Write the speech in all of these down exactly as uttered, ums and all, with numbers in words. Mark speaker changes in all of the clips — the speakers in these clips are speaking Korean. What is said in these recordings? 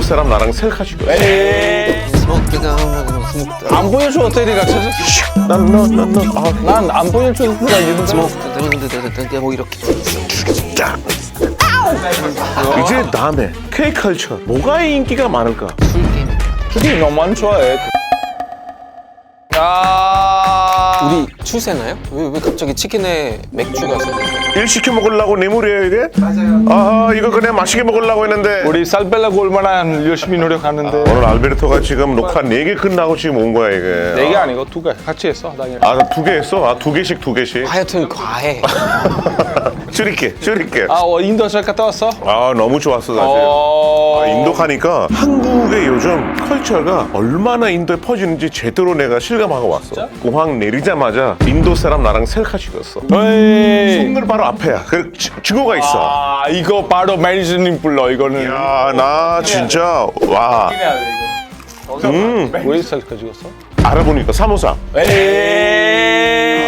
Speaker 1: 사람 나랑 셀카 찍었어.
Speaker 2: 스모크가 스모크.
Speaker 3: 안 보여줘 테리가 찾았어.
Speaker 1: 난너너너아난안
Speaker 3: 보여줘 테리가 이런
Speaker 2: 스모크 뭐 이렇게
Speaker 1: 자. 이제 다음에 K컬처 뭐가 인기가 많을까?
Speaker 2: 술 게임.
Speaker 3: 술이 너무 안 좋아해. 아
Speaker 2: 우리 추세나요? 왜, 왜 갑자기 치킨에 맥주가 생겨?
Speaker 1: 일 시켜 먹으려고 뇌물이에요 이게? 맞아요. 아 이거 그냥 맛있게 먹으려고 했는데
Speaker 3: 우리 살 빼려고 얼마나 열심히 노력하는데.
Speaker 1: 오늘 알베르토가 지금 녹화 네 개 끝나고 지금 온 거야 이게.
Speaker 3: 네 개 아니고 두 개 같이 했어 당연히.
Speaker 1: 아 두 개 했어? 아 두 개씩 두 개씩.
Speaker 2: 하여튼 과해.
Speaker 1: 줄일게 줄일게.
Speaker 3: 아 어, 인도 잘 갔다 왔어?
Speaker 1: 아 너무 좋았어 사실.
Speaker 3: 어...
Speaker 1: 아, 인도 가니까 한국의 요즘 컬처가 얼마나 인도에 퍼지는지 제대로 내가 실감하고 왔어. 공항 내리자마자 인도 사람 나랑 셀카 찍었어.
Speaker 3: 에이.
Speaker 1: 손들 바로 앞에야. 그 지- 증거가 있어.
Speaker 3: 아 이거 바로 매니저님 불러 이거는.
Speaker 1: 야 나 진짜 와 음.
Speaker 3: 왜 셀카 찍었어?
Speaker 1: 알아보니까 사모사.
Speaker 3: 에이.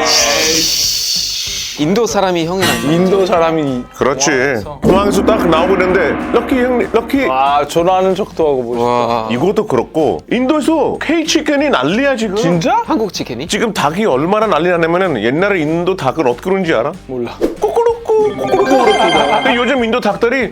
Speaker 2: 인도 사람이 형이랑
Speaker 3: 인도 사람이.
Speaker 1: 그렇지. 공항에서 딱 나오고 있는데 럭키 형님 럭키.
Speaker 3: 아 전화하는 척도 하고 뭐.
Speaker 2: 와
Speaker 1: 이것도 그렇고 인도에서 K치킨이 난리야 지금.
Speaker 3: 진짜?
Speaker 2: 한국 치킨이?
Speaker 1: 지금 닭이 얼마나 난리 나냐면은 옛날에 인도 닭은 어떻게 그런지 알아?
Speaker 3: 몰라.
Speaker 1: 꼬꾸루꾸 꼬꾸루꾸 울었거든. 근데 요즘 인도 닭들이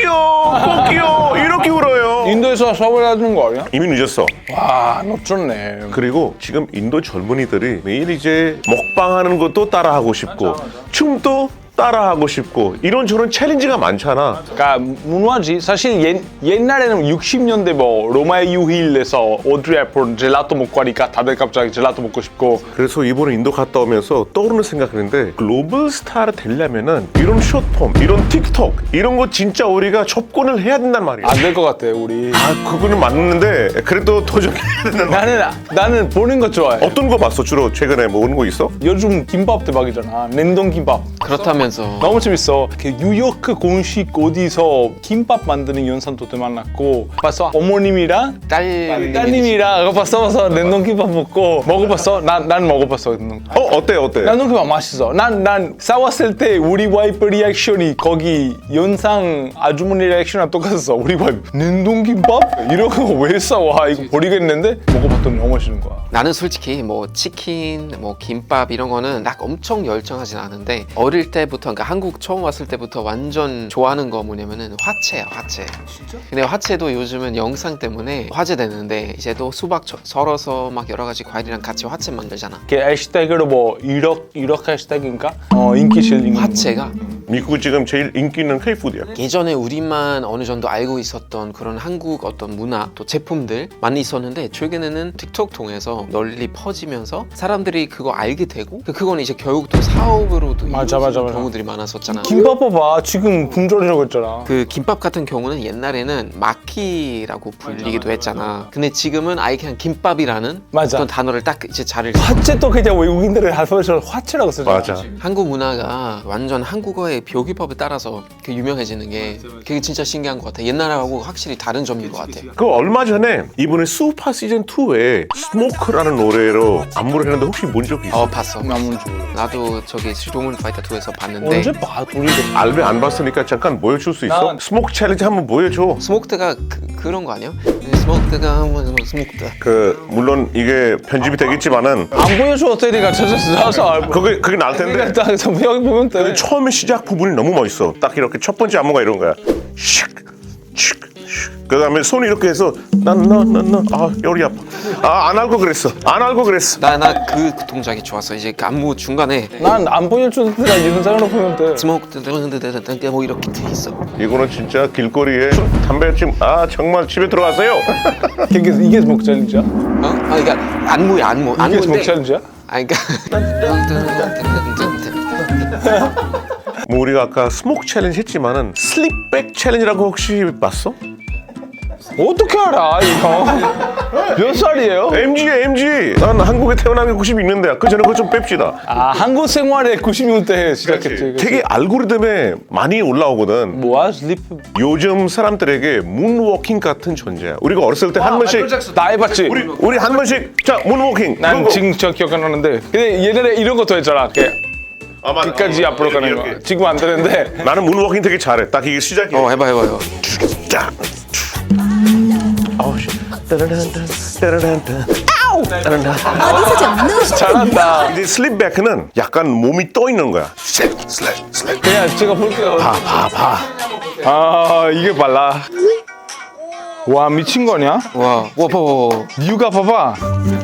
Speaker 1: 꼬끼요 꼬끼요 이렇게 울어요.
Speaker 3: 인도에서 서울하는 거 아니야?
Speaker 1: 이미 늦었어.
Speaker 3: 와너 좋네.
Speaker 1: 그리고 지금 인도 젊은이들이 매일 이제 먹방하는 것도 따라하고 싶고 춤도 따라하고 싶고 이런저런 챌린지가 많잖아.
Speaker 3: 그러니까 문화지. 사실 옛, 옛날에는 육십 년대 뭐 로마의 유힐에서 오드리 헵번 젤라또 먹고 하니까 다들 갑자기 젤라또 먹고 싶고.
Speaker 1: 그래서 이번에 인도 갔다 오면서 떠오르는 생각했는데 글로벌 스타를 되려면은 이런 숏폼, 이런 틱톡 이런 거 진짜 우리가 접근을 해야 된단 말이야.
Speaker 3: 안 될 것 같아 우리.
Speaker 1: 아 그거는 맞는데 그래도 도전해야 된단 말이야.
Speaker 3: 나는 나는 보는 거 좋아해.
Speaker 1: 어떤 거 봤어? 주로 최근에 뭐 오는 거 있어?
Speaker 3: 요즘 김밥 대박이잖아. 냉동 김밥.
Speaker 2: 그렇다면서
Speaker 3: 너무 재밌어. 그 뉴요크 공식 어디서 김밥 만드는 영상도 만났고 봤어? 어머님이랑
Speaker 2: 딸
Speaker 3: 따님이랑 그거 봤어? 봤어? 냉동 김밥 먹고 먹어봤어? 난, 난 먹어봤어. 냉동.
Speaker 1: 어 어때 어때?
Speaker 3: 냉동 김밥 맛있어. 난, 난 싸웠을 때 우리 와이프 리액션이 거기 영상 아주머니 리액션이랑 똑같았어. 우리 와이프 냉동 김밥? 이런 거 왜 싸워? 아, 이거 버리겠는데? 먹어봤더니 너무 맛있는 거야.
Speaker 2: 나는 솔직히 뭐 치킨, 뭐 김밥 이런 거는 막 엄청 열정하진 않은데 어릴 때부터 그러니까 한국 처음 왔을 때부터 완전 좋아하는 거 뭐냐면은 화채야 화채. 진짜? 근데 화채도 요즘은 영상 때문에 화제되는데 이제 또 수박 저- 썰어서 막 여러 가지 과일이랑 같이 화채 만들잖아.
Speaker 3: 그 해시태그로 뭐 일억 일억 해시태그인가? 어 인기 실린
Speaker 2: 화채가
Speaker 1: 미국 지금 제일 인기 있는 K푸드야.
Speaker 2: 예전에 우리만 어느 정도 알고 있었던 그런 한국 어떤 문화 또 제품들 많이 있었는데 최근에는 틱톡 통해서 널리 퍼지면서 사람들이 그거 알게 되고 그건 이제 결국 또 사업으로도
Speaker 3: 맞아, 맞아, 맞아.
Speaker 2: 경우들이 많았었잖아.
Speaker 3: 김밥 봐봐. 지금 분절이라고 했잖아.
Speaker 2: 그 김밥 같은 경우는 옛날에는 마키라고 불리기도 했잖아. 근데 지금은 아예 그냥 김밥이라는
Speaker 3: 맞아.
Speaker 2: 어떤 단어를 딱 이제 자를
Speaker 3: 화채 또 그냥 외국인들의 알파벳으로 화채라고 쓰잖아.
Speaker 1: 맞아.
Speaker 2: 한국 문화가 완전 한국어의 표기법에 따라서 그 유명해지는 게 그게 진짜 신기한 것 같아. 옛날하고 확실히 다른 점인 것 같아.
Speaker 1: 그 얼마 전에 이번에 수우파 시즌 투에 스모크라는 노래로 안무를 했는데 혹시 본 적 있어?
Speaker 2: 어 봤어.
Speaker 3: 너무 좋아.
Speaker 2: 나도 저기 드래곤 파이터 투에서 봤는데
Speaker 3: 언제 봐? 우리도.
Speaker 1: 알베 안 봤으니까 잠깐 보여줄 수 있어?
Speaker 3: 난-
Speaker 1: 스모크 챌린지 한번 보여줘.
Speaker 2: 스모크드가 그, 그런 거 아니야? 스모크드가 한번 스모크드.
Speaker 1: 그 물론 이게 편집이 되겠지만은
Speaker 3: 안 보여줘. 테리가 찾아서 알고.
Speaker 1: 그게 그게 나을 텐데
Speaker 3: 딱 여기 보면 돼.
Speaker 1: 처음에 시작 부분이 너무 멋있어. 딱 이렇게 첫 번째 안무가 이런 거야. 슉, 슉, 슉. 그다음에 손 이렇게 해서 난나난나아 열이 아파. 아 안 알고 그랬어. 안 알고 그랬어.
Speaker 2: 나 나 그 동작이 좋았어. 이제 그 안무 중간에
Speaker 3: 난 안 보여줘. 테리가 영상으로 보면 돼.
Speaker 2: 스모크드 뭐 이렇게 돼 있어.
Speaker 1: 이거는 진짜 길거리에 담배 침. 아 정말 집에 들어가세요.
Speaker 3: 이게 이게 스모크 챌린지야?
Speaker 2: 어? 아 그러니까 안무야 안무.
Speaker 3: 이게 스모크 챌린지야?
Speaker 2: 아 그러니까
Speaker 1: 뭐 우리가 아까 스모크 챌린지 했지만은 슬립백 챌린지라고 혹시 봤어?
Speaker 3: 어떻게 알아 이거? 몇 살이에요?
Speaker 1: 엠지야 엠지. 난 한국에 태어난 게 구십이 있는데 그 전에 그거 좀 뺍시다.
Speaker 3: 아 한국 생활에 구십 년 대 시작했지. 그치?
Speaker 1: 되게 알고리즘에 많이 올라오거든.
Speaker 3: 뭐야 슬리프?
Speaker 1: 요즘 사람들에게 문워킹 같은 존재야. 우리가 어렸을 때 한 번씩
Speaker 3: 나 해봤지.
Speaker 1: 우리 우리 한 번씩 자 문워킹.
Speaker 3: 난
Speaker 1: 그거.
Speaker 3: 지금 저 기억 안 나는데. 근데 예전에 이런 것도 했잖아. 이렇게
Speaker 1: 아, 맞아.
Speaker 3: 끝까지
Speaker 1: 어,
Speaker 3: 앞으로 가는
Speaker 1: 이렇게.
Speaker 3: 거. 지금 안 되는데.
Speaker 1: 나는 문워킹 되게 잘해. 딱 이게 시작이야.
Speaker 2: 어 해봐 해봐 해봐.
Speaker 1: 자. 아우 씨. 따라란딴 따라란딴 아우 따라란딴.
Speaker 4: 어디서 좀 누우시는
Speaker 3: 잘한다.
Speaker 1: 이제 슬립백은 약간 몸이 떠 있는 거야. 슬립 슬립 슬립.
Speaker 3: 그냥 제가 볼게요.
Speaker 1: 봐 봐 봐.
Speaker 3: 아 이게 발라. 와 미친 거냐?
Speaker 2: 와, 와, 봐봐, 봐봐.
Speaker 3: 이유가 봐봐.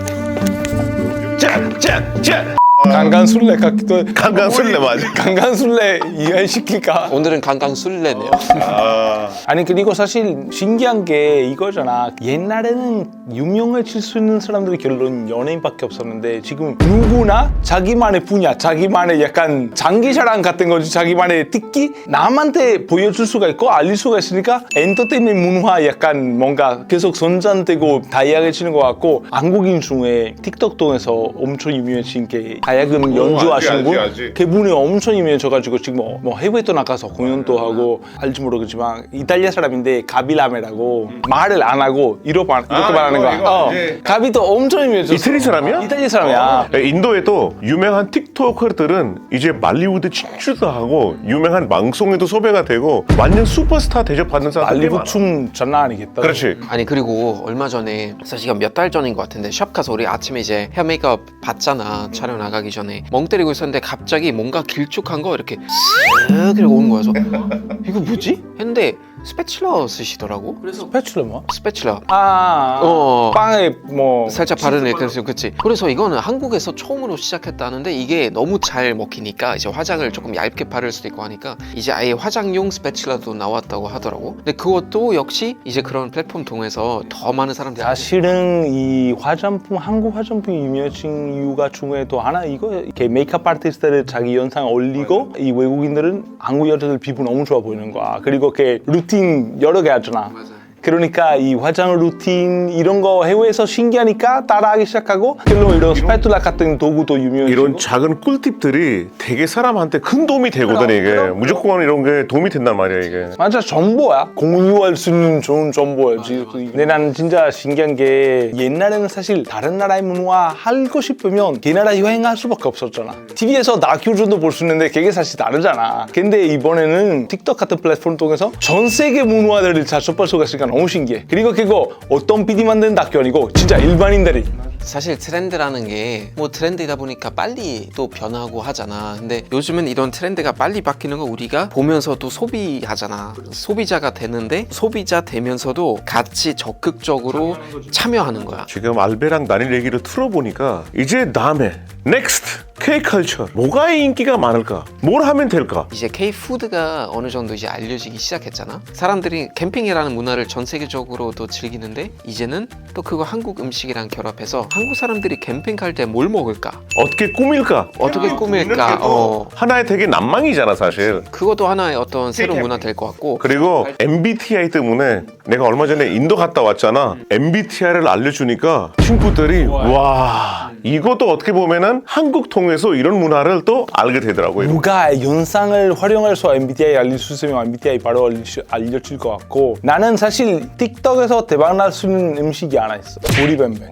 Speaker 1: 짠짠짠.
Speaker 3: 강간술래 같기도 해.
Speaker 1: 강강술래 맞아.
Speaker 3: 강간술래 이해시킬까?
Speaker 2: 오늘은 강강술래네요.
Speaker 3: 아니 그리고 사실 신기한 게 이거잖아. 옛날에는 유명해질 수 있는 사람들이 결론 연예인밖에 없었는데 지금 누구나 자기만의 분야, 자기만의 약간 장기자랑 같은 거지. 자기만의 특기 남한테 보여줄 수가 있고 알릴 수가 있으니까 엔터테인먼트 문화 약간 뭔가 계속 선전되고 다양해지는 것 같고 한국인 중에 틱톡 통해서 엄청 유명해진 게 가야금 연주하시는
Speaker 1: 알지,
Speaker 3: 분
Speaker 1: 알지, 알지.
Speaker 3: 그분이 엄청 유명해져가지고 지금 뭐, 뭐 해외도 나가서 공연도 하고 알지 모르겠지만 이탈리아 사람인데 가비라메라고 말을 안 하고 이렇게, 말- 이렇게
Speaker 1: 아,
Speaker 3: 말하는
Speaker 1: 이거,
Speaker 3: 거야.
Speaker 1: 이거,
Speaker 3: 어.
Speaker 1: 이제.
Speaker 3: 가비도 엄청 유명해졌어.
Speaker 1: 이태리 사람이야?
Speaker 3: 이탈리아 사람이야.
Speaker 1: 예, 인도에도 유명한 틱토커들은 이제 말리우드 진출도 하고 유명한 방송에도 섭외가 되고 완전 슈퍼스타 대접받는 사람들 꽤
Speaker 3: 알리브
Speaker 1: 많아.
Speaker 3: 춤 장난 아니겠다.
Speaker 1: 그렇지.
Speaker 2: 아니 그리고 얼마 전에 사실 몇 달 전인 것 같은데 샵 가서 우리 아침에 이제 헤어 메이크업 봤잖아. 촬영 나가기 전에 멍 때리고 있었는데 갑자기 뭔가 길쭉한 거 이렇게 쓱 이렇게 오는 거야. 그래서 이거 뭐지? 했는데 스패츌러 쓰시더라고. 그래서
Speaker 3: 패출레 뭐?
Speaker 2: 스패츌러
Speaker 3: 아,
Speaker 2: 어.
Speaker 3: 빵에 뭐
Speaker 2: 살짝 바르는 그래서 그치. 그래서 이거는 한국에서 처음으로 시작했다는데 이게 너무 잘 먹히니까 이제 화장을 조금 얇게 바를 수도 있고 하니까 이제 아예 화장용 스패츌러도 나왔다고 하더라고. 근데 그것도 역시 이제 그런 플랫폼 통해서 더 많은 사람들이
Speaker 3: 사실은 이 화장품 한국 화장품이 유명해진 이유가 중에도 하나 이거 이렇게 메이크업 아티스트를 자기 영상 올리고 이 외국인들은 한국 여자들 피부 너무 좋아 보이는 거야. 그리고 이렇게 루틴 여러 개 하잖아. 그러니까 이 화장 루틴 이런 거 해외에서 신기하니까 따라하기 시작하고 결론 이런 스패툴라 같은 도구도 유명해지고
Speaker 1: 이런 작은 꿀팁들이 되게 사람한테 큰 도움이 되거든 이게. 무조건 이런 게 도움이 된단 말이야 이게.
Speaker 3: 맞아 정보야 공유할 수 있는 좋은 정보야지. 근데 나는 진짜 신기한 게 옛날에는 사실 다른 나라의 문화 하고 싶으면 그 나라 여행할 수밖에 없었잖아. 티비에서 다큐 정도 볼 수 있는데 그게 사실 다르잖아. 근데 이번에는 틱톡 같은 플랫폼 통해서 전 세계 문화들을 다 접할 수가 있으니까 너무 신기해. 그리고 그거 어떤 피디 만든 다큐 아니고 진짜 일반인들이
Speaker 2: 사실 트렌드라는 게 뭐 트렌드이다 보니까 빨리 또 변하고 하잖아. 근데 요즘은 이런 트렌드가 빨리 바뀌는 거 우리가 보면서도 소비하잖아. 소비자가 되는데 소비자 되면서도 같이 적극적으로 참여하는 거야.
Speaker 1: 지금 알베랑 나닐 얘기를 틀어보니까 이제 다음에 넥스트 K컬처 뭐가 인기가 많을까? 뭘 하면 될까?
Speaker 2: 이제 K-푸드가 어느 정도 이제 알려지기 시작했잖아. 사람들이 캠핑이라는 문화를 전 세계적으로도 즐기는데 이제는 또 그거 한국 음식이랑 결합해서 한국 사람들이 캠핑 갈 때 뭘 먹을까?
Speaker 1: 어떻게 꾸밀까?
Speaker 2: 어떻게 꾸밀까? 어.
Speaker 1: 하나의 되게 난망이잖아 사실.
Speaker 2: 그것도 하나의 어떤 새로운 문화 될 것 같고
Speaker 1: 그리고 엠비티아이 때문에 내가 얼마 전에 인도 갔다 왔잖아. 엠비티아이를 알려주니까 친구들이 와 이것도 어떻게 보면은 한국 통해서 이런 문화를 또 알게 되더라고요.
Speaker 3: 누가 영상을 활용해서 엠비티아이 알릴 수 있으면 엠비티아이 바로 알려줄, 알려줄 것 같고 나는 사실 틱톡에서 대박날 수 있는 음식이 하나 있어. 도리뱀뱀.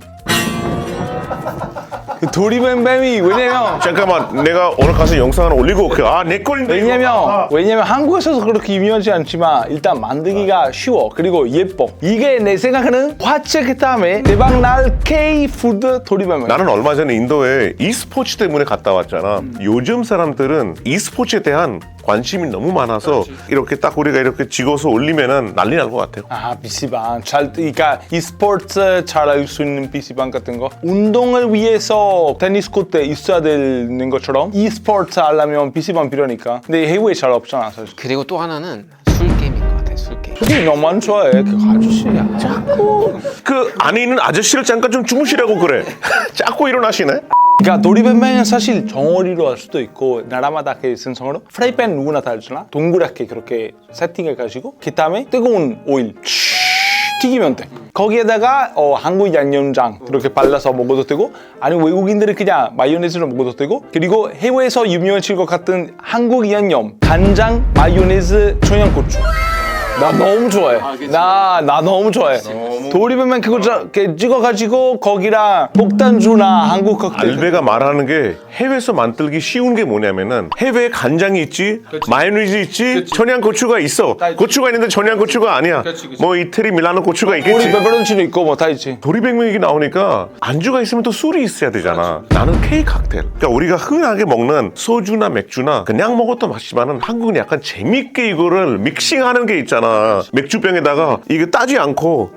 Speaker 3: 그 도리뱀뱀이 왜냐면
Speaker 1: 잠깐만 내가 오늘 가서 영상 하나 올리고 올게. 아내 꼴인데.
Speaker 3: 왜냐면
Speaker 1: 이거.
Speaker 3: 왜냐면 한국에서도 그렇게 유명하지 않지만 일단 만들기가 쉬워. 그리고 예뻐. 이게 내 생각에는 화채 그 다음에 대박날 K-푸드 도리뱀뱀.
Speaker 1: 나는 얼마 전에 인도에 e스포츠 때문에 갔다 왔잖아. 요즘 사람들은 e스포츠에 대한 관심이 너무 많아서 이렇게 딱 우리가 이렇게 찍어서 올리면은 난리 날 것 같아요.
Speaker 3: 아 피시방 잘 그러니까 e스포츠 잘 알 수 있는 피시방 같은 거 운동을 위해서 테니스 코트에 있어야 되는 것처럼 e스포츠 하려면 피시방 필요하니까 근데 해외에 잘 없잖아 사실.
Speaker 2: 그리고 또 하나는 술 게임인 것 같아. 술 게임.
Speaker 3: 솔직히 너무 안 좋아해 그 아저씨야.
Speaker 1: 자꾸 그 안에 있는 아저씨를 잠깐 좀 주무시라고 그래. 자꾸 일어나시네.
Speaker 3: 그러니까 도리뱀뱀은 사실 정어리로 할 수도 있고 나라마다 그 생성으로 프라이팬 누구나 다르잖아. 동그랗게 그렇게 세팅을 가지고 그 다음에 뜨거운 오일 튀기면 돼. 거기에다가 어, 한국 양념장 이렇게 발라서 먹어도 되고 아니면 외국인들은 그냥 마요네즈로 먹어도 되고 그리고 해외에서 유명해질 것 같은 한국 양념 간장, 마요네즈, 청양고추 나 너무 좋아해. 나, 나 너무 좋아해.
Speaker 1: 너무
Speaker 3: 도리뱀면 그거 저- 이렇게 찍어가지고 거기랑 복단주나 한국 칵테일.
Speaker 1: 알베가 말하는 게 해외에서 만들기 쉬운 게 뭐냐면은 해외에 간장이 있지, 마요네즈 있지, 청양고추가 있어. 고추가 있는데 청양고추가 아니야. 뭐 이태리 밀라노 고추가
Speaker 3: 우리
Speaker 1: 있겠지.
Speaker 3: 페퍼런치도 있고 뭐 다 있지.
Speaker 1: 도리백명 얘기 나오니까 안주가 있으면 또 술이 있어야 되잖아. 나는 K 칵테일. 그러니까 우리가 흔하게 먹는 소주나 맥주나 그냥 먹어도 맛있지만은 한국은 약간 재밌게 이거를 믹싱하는 게 있잖아. 맥주병에다가 이게 따지 않고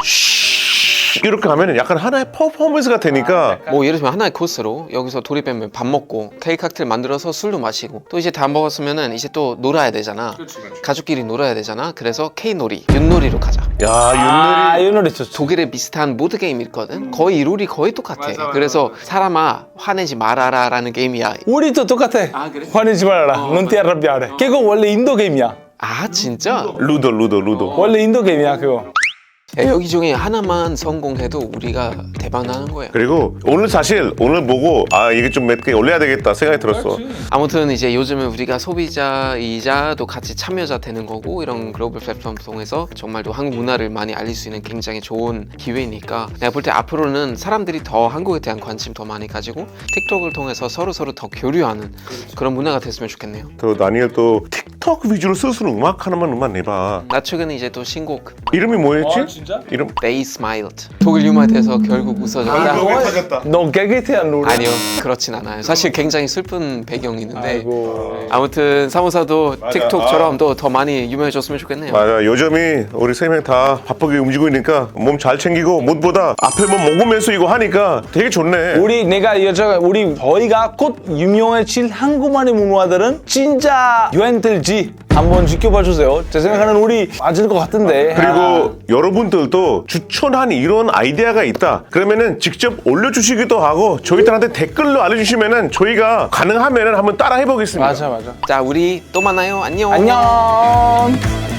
Speaker 1: 이렇게 하면 약간 하나의 퍼포먼스가 되니까
Speaker 2: 뭐 예를 들면 하나의 코스로 여기서 도리뱀면 밥 먹고 K 칵테일 만들어서 술도 마시고 또 이제 다 먹었으면은 이제 또 놀아야 되잖아. 가족끼리 놀아야 되잖아. 그래서 K 놀이, 윷놀이로 가자.
Speaker 1: 야
Speaker 3: 아, 이 노래 좋지.
Speaker 2: 독일에 비슷한 보드 게임 있거든. 거의 룰이 거의 똑같아. 그래서 사람아 화내지 말아라라는 게임이야.
Speaker 3: 우리도 똑같아. 화내지 말아라. 넌 띠아라비아래. 그거 원래 인도 게임이야.
Speaker 2: 아 진짜?
Speaker 1: 루도 루도 루도.
Speaker 3: 원래 인도 게임이야 그거.
Speaker 2: 야, 여기 중에 하나만 성공해도 우리가 대박 나는 거야.
Speaker 1: 그리고 오늘 사실 오늘 보고 아 이게 좀 몇 개 올려야 되겠다 생각이 들었어.
Speaker 2: 아무튼 이제 요즘은 우리가 소비자이자 또 같이 참여자 되는 거고 이런 글로벌 플랫폼 통해서 정말 또 한국 문화를 많이 알릴 수 있는 굉장히 좋은 기회니까 내가 볼 때 앞으로는 사람들이 더 한국에 대한 관심 더 많이 가지고 틱톡을 통해서 서로 서로 더 교류하는 그런 문화가 됐으면 좋겠네요.
Speaker 1: 또 다니엘 또 틱톡 위주로 스스로 음악 하나만 음악 내봐.
Speaker 2: 나 최근에 이제 또 신곡
Speaker 1: 이름이 뭐였지?
Speaker 3: 진짜?
Speaker 1: 이름
Speaker 2: They Smiled 독일 유머에서 결국 웃어졌다.
Speaker 1: 터졌다.
Speaker 3: 너 깨끗해한 노래.
Speaker 2: 아니요 그렇진 않아요. 사실 굉장히 슬픈 배경이 있는데
Speaker 3: 아이고.
Speaker 2: 아무튼 사무사도 틱톡처럼 또 더 많이 유명해졌으면 좋겠네요.
Speaker 1: 맞아. 요즘이 우리 세 명 다 바쁘게 움직이고 있으니까 몸 잘 챙기고 무엇보다 앞에 뭐 먹으면서 이거 하니까 되게 좋네.
Speaker 3: 우리 내가 여자 우리 저희가 곧 유명해질 한국만의 문화들은 진짜 유행될지 한번 지켜봐 주세요. 제 생각에는 우리 맞을 것 같은데.
Speaker 1: 그리고 여러분들도 추천한 이런 아이디어가 있다. 그러면은 직접 올려주시기도 하고 저희들한테 댓글로 알려주시면은 저희가 가능하면은 한번 따라 해보겠습니다.
Speaker 3: 맞아 맞아.
Speaker 2: 자 우리 또 만나요. 안녕.
Speaker 3: 안녕.